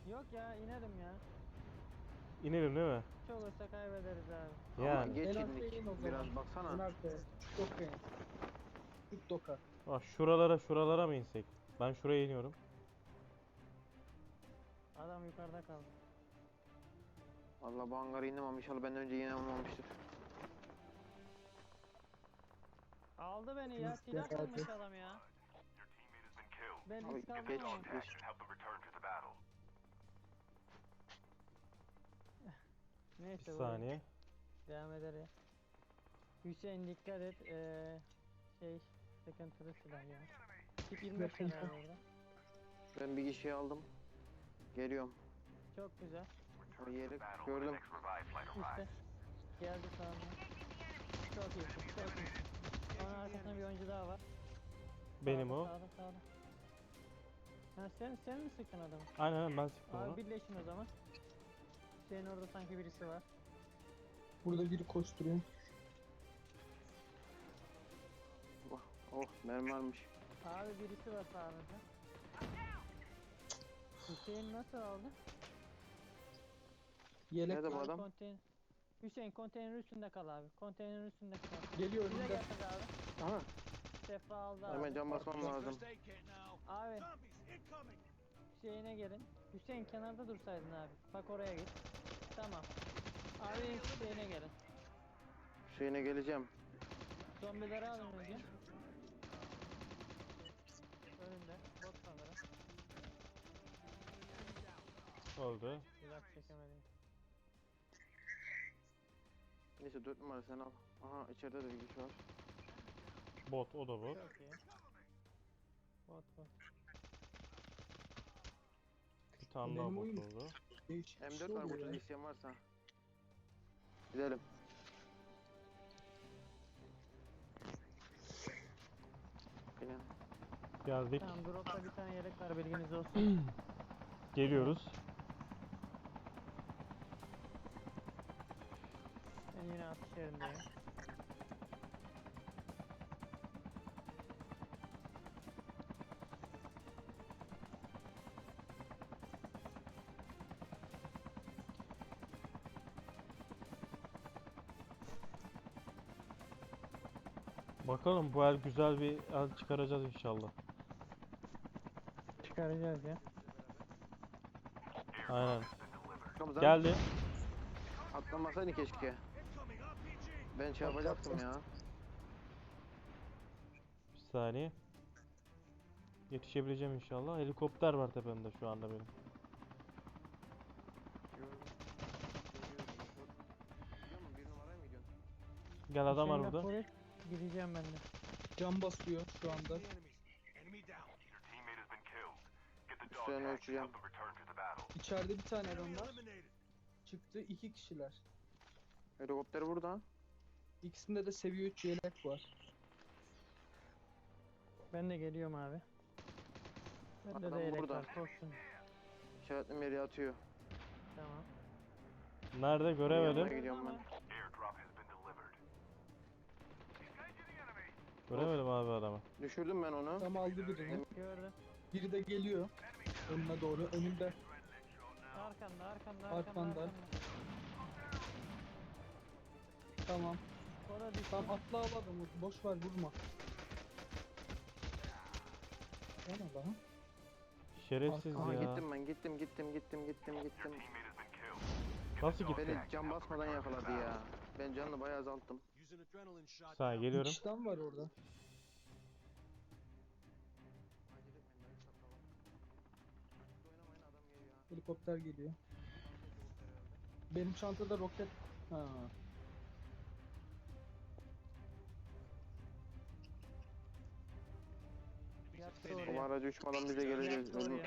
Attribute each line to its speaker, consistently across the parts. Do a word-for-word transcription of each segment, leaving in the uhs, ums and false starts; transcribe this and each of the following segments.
Speaker 1: Yok ya inerim ya.
Speaker 2: İnelim değil mi?
Speaker 1: Çok olsa kaybederiz abi.
Speaker 3: Ama
Speaker 2: Yani.
Speaker 3: geç
Speaker 4: En arkaya
Speaker 3: indik.
Speaker 4: in o zaman.
Speaker 3: Biraz baksana.
Speaker 4: En arkaya. Şu doka in. Şu doka.
Speaker 2: Bak şuralara şuralara mı insek? Ben şuraya iniyorum.
Speaker 1: Adam yukarıda kaldı.
Speaker 3: Vallahi bu hangara indim ama inşallah benden önce yine olmamıştır.
Speaker 1: Aldı beni ya.
Speaker 4: Nasıl
Speaker 1: Silah
Speaker 4: ya?
Speaker 1: kılmış adam ya. Ben
Speaker 3: Abi
Speaker 1: risk aldım
Speaker 3: geç
Speaker 1: ama.
Speaker 3: geç.
Speaker 2: Bir
Speaker 1: Neyse bu
Speaker 2: saniye.
Speaker 1: devam eder ya. Hüseyin dikkat et. Ee, şey sıkıntılı silah ya. Tip yirmi beş
Speaker 4: Yakın.
Speaker 1: var orada.
Speaker 3: Ben bir kişiyi aldım. Geliyorum.
Speaker 1: Çok güzel.
Speaker 3: O yeri gördüm.
Speaker 1: İşte. Geldi sağına. Çok iyisin. Çok iyisin. Onun arkasında bir oyuncu daha var.
Speaker 2: Benim
Speaker 1: Sağda,
Speaker 2: o.
Speaker 1: Sağda sağda. Ha sen, sen mi sıktın adamı?
Speaker 2: Aynen aynen, ben sıktım
Speaker 1: Abi
Speaker 2: onu.
Speaker 1: birleşin o zaman. Senin orada sanki birisi var.
Speaker 4: Burada biri koşturuyor.
Speaker 3: Oh, oh mermi varmış.
Speaker 1: Abi birisi var sağınızda. Hüseyin nasıl aldı?
Speaker 4: Yelek
Speaker 3: Nerede bu
Speaker 4: var.
Speaker 3: adam?
Speaker 1: Konteyner. Hüseyin konteynerin üstünde kal abi. Konteynerin üstünde kal.
Speaker 4: Geliyor
Speaker 1: Bize
Speaker 4: önünde.
Speaker 1: gelsin abi.
Speaker 3: Aha.
Speaker 1: Sefa aldı abi.
Speaker 3: Hemen cam basmam lazım.
Speaker 1: Abi. Hüseyin'e gelin. Hüseyin kenarda dursaydın abi. Bak oraya git. Tamam. Abi Hüseyin'e gelin.
Speaker 3: Şeyine geleceğim.
Speaker 1: Zombileri alın önce. Önünde. Bot sanırım.
Speaker 2: Oldu.
Speaker 1: Uzak çekemedim.
Speaker 3: Neyse dört numara sen al. Aha içeride de bir kişi var.
Speaker 2: Bot, o da bot.
Speaker 1: Çok iyi. Bot bot.
Speaker 2: Bir tane daha
Speaker 4: Benim
Speaker 2: bot
Speaker 4: oyun-
Speaker 2: oldu.
Speaker 4: Değişik bir
Speaker 3: M
Speaker 4: şey
Speaker 3: dört var
Speaker 4: oluyor
Speaker 3: burada
Speaker 4: ya.
Speaker 3: isteyen varsa. Gidelim. Yine.
Speaker 2: Geldik.
Speaker 1: Tamam dropta bir tane yelek var bilginiz olsun.
Speaker 2: Geliyoruz.
Speaker 1: Ben yine atış yerindeyim.
Speaker 2: Bakalım bu el güzel bir el çıkaracağız inşallah.
Speaker 1: Çıkaracağız ya.
Speaker 2: Aynen.
Speaker 3: Kapıdan
Speaker 2: Geldi.
Speaker 3: atlamasaydın keşke. Ben şey yapacaktım ya.
Speaker 2: Bir saniye. Yetişebileceğim inşallah. Helikopter var tepemde şu anda benim.
Speaker 3: Bir numaraya mı gidiyorsun?
Speaker 2: Gel adam var
Speaker 1: Hüseyin
Speaker 2: burada.
Speaker 1: Polis, gideceğim ben de.
Speaker 4: Cam basıyor şu anda.
Speaker 3: Üstlerini ölçeceğim.
Speaker 4: İçeride bir tane adam var. Çıktı iki kişiler.
Speaker 3: Helikopter burada.
Speaker 4: İkisinde de seviye üç yelek var.
Speaker 1: Ben de geliyorum abi. Bende
Speaker 3: Adam
Speaker 1: de yelek
Speaker 3: burada.
Speaker 1: var koşsun.
Speaker 3: İşaretli yere atıyor.
Speaker 1: Tamam.
Speaker 2: Nerede
Speaker 3: Yanına
Speaker 2: göremedim.
Speaker 3: gidiyorum ben.
Speaker 2: Göremedim abi adamı.
Speaker 3: Düşürdüm ben onu.
Speaker 4: Tam aldı birini.
Speaker 1: Gördüm.
Speaker 4: Biri de geliyor. Önüne doğru. Önünde.
Speaker 1: Arkanda arkanda arkanda.
Speaker 4: Arkanda.
Speaker 1: arkanda.
Speaker 4: Tamam.
Speaker 1: O da düştü.
Speaker 4: Tam atla al adamı. Boş ver vurma. Yana lan.
Speaker 2: Şerefsiz
Speaker 4: Aha,
Speaker 3: Aha
Speaker 2: ya.
Speaker 3: gittim ben gittim gittim gittim gittim gittim.
Speaker 2: Nasıl gitti?
Speaker 3: Beni cam basmadan yakaladı ya. Ben canını bayağı azalttım.
Speaker 2: Bir saniye geliyorum.
Speaker 4: İki tane var orada. Helikopter geliyor. Benim çantada roket. Ha.
Speaker 1: Yattı
Speaker 3: O
Speaker 1: oraya.
Speaker 3: aracı uçmadan bize geleceğiz.
Speaker 1: Yattı
Speaker 3: Ölüm.
Speaker 1: oraya.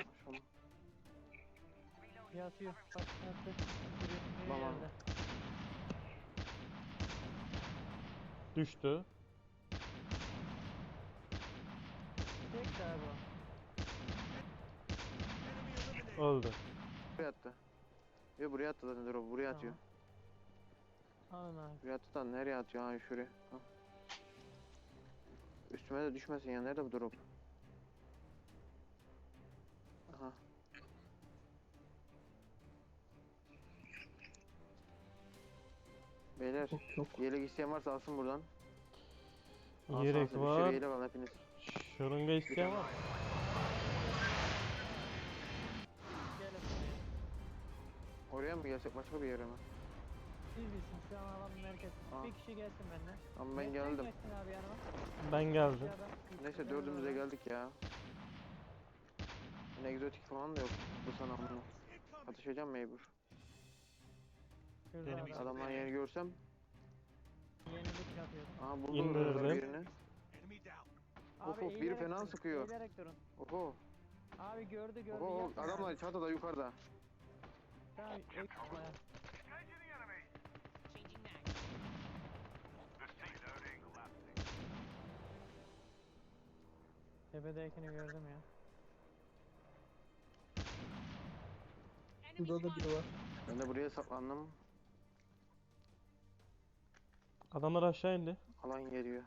Speaker 1: Yatıyor. Bak yattı. Biri
Speaker 3: Tamam.
Speaker 1: yerde.
Speaker 2: Düştü.
Speaker 1: Tek daha bu.
Speaker 2: Öldü.
Speaker 3: Buraya attı. Yo buraya attı zaten drop. Buraya atıyor.
Speaker 1: Tamam. Alın abi.
Speaker 3: Buraya attı da nereye atıyor? Ha şuraya. Ha. Üstüme de düşmesin ya. Nerede bu drop? Aha. Beyler
Speaker 4: Yok yok.
Speaker 3: yelek isteyen varsa alsın buradan. Al
Speaker 2: Yelek
Speaker 3: sana, bir sürü
Speaker 2: var.
Speaker 3: yelek al hepiniz.
Speaker 2: Şırınga isteyen var.
Speaker 1: Gelin.
Speaker 3: Oraya mı gelsek başka bir yere mi?
Speaker 1: Siz bilsin şu an alanın merkezi.
Speaker 3: Aa.
Speaker 1: Bir kişi gelsin benden.
Speaker 3: Ama ben
Speaker 1: Sen
Speaker 3: geldim.
Speaker 1: gelsin abi yanıma.
Speaker 2: Ben geldim.
Speaker 1: Ya da-
Speaker 3: Neyse
Speaker 1: Ben
Speaker 3: dördümüze
Speaker 1: oradan-
Speaker 3: geldik ya. Yine egzotik falan da yok bu sana bunu. Atışacağım mecbur.
Speaker 1: Şurada
Speaker 2: Benim
Speaker 1: adam.
Speaker 3: Adamların yerini görsem.
Speaker 1: Yenilik yapıyordum.
Speaker 3: Aha buldu
Speaker 2: İndirdim.
Speaker 3: orada birini. Of
Speaker 1: Abi
Speaker 3: of, biri
Speaker 1: eğilerek
Speaker 3: fena
Speaker 1: durun,
Speaker 3: sıkıyor.
Speaker 1: Eğilerek durun.
Speaker 3: Oho.
Speaker 1: Abi gördü gördü.
Speaker 3: Oho
Speaker 1: yapma
Speaker 3: adamlar
Speaker 1: abi.
Speaker 3: çatıda yukarıda.
Speaker 1: Tamam ek yapma ya. Tepedekini gördüm ya.
Speaker 4: Burada da biri var.
Speaker 3: Ben de buraya saklandım.
Speaker 2: Adamlar aşağı indi.
Speaker 3: Alan geliyor.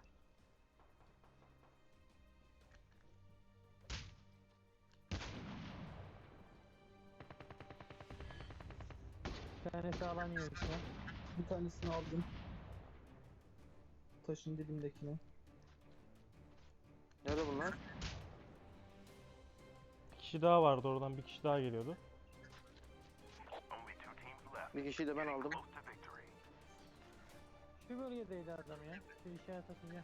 Speaker 1: Bir tanesi alan yiyor işte.
Speaker 4: Bir tanesini aldım. Taşın dibindekini.
Speaker 3: Nerede bunlar?
Speaker 2: Bir kişi daha vardı oradan, bir kişi daha geliyordu.
Speaker 3: Bir kişiyi de ben aldım.
Speaker 1: Şu bölgedeydi adam ya. Şu işaret atacağım.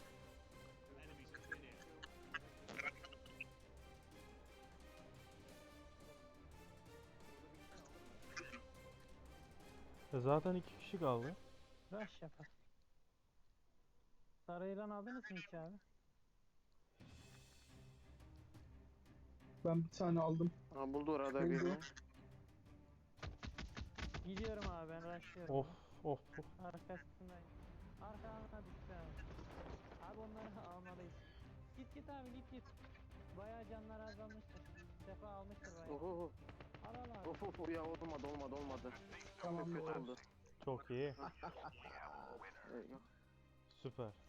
Speaker 2: E zaten iki kişi kaldı.
Speaker 1: Rush yapar. Sarayılan aldınız mı hiç abi?
Speaker 4: Ben bir tane aldım.
Speaker 3: Aha buldu orada
Speaker 4: Buldu.
Speaker 3: birini.
Speaker 1: Gidiyorum abi ben rushlıyorum.
Speaker 2: Of of of.
Speaker 1: Arkasındayım. Arkalarına düştü abi. Abi onları almalıyız. Git git abi git git. Bayağı canlar azalmıştır. Sefa almıştır bayağı.
Speaker 3: Oho.
Speaker 1: Al al abi.
Speaker 3: Of of ya olmadı olmadı olmadı.
Speaker 4: Tamam
Speaker 3: Çok kötü
Speaker 4: oldu.
Speaker 3: oldu.
Speaker 2: Çok iyi.
Speaker 3: Evet, yok.
Speaker 2: Süper.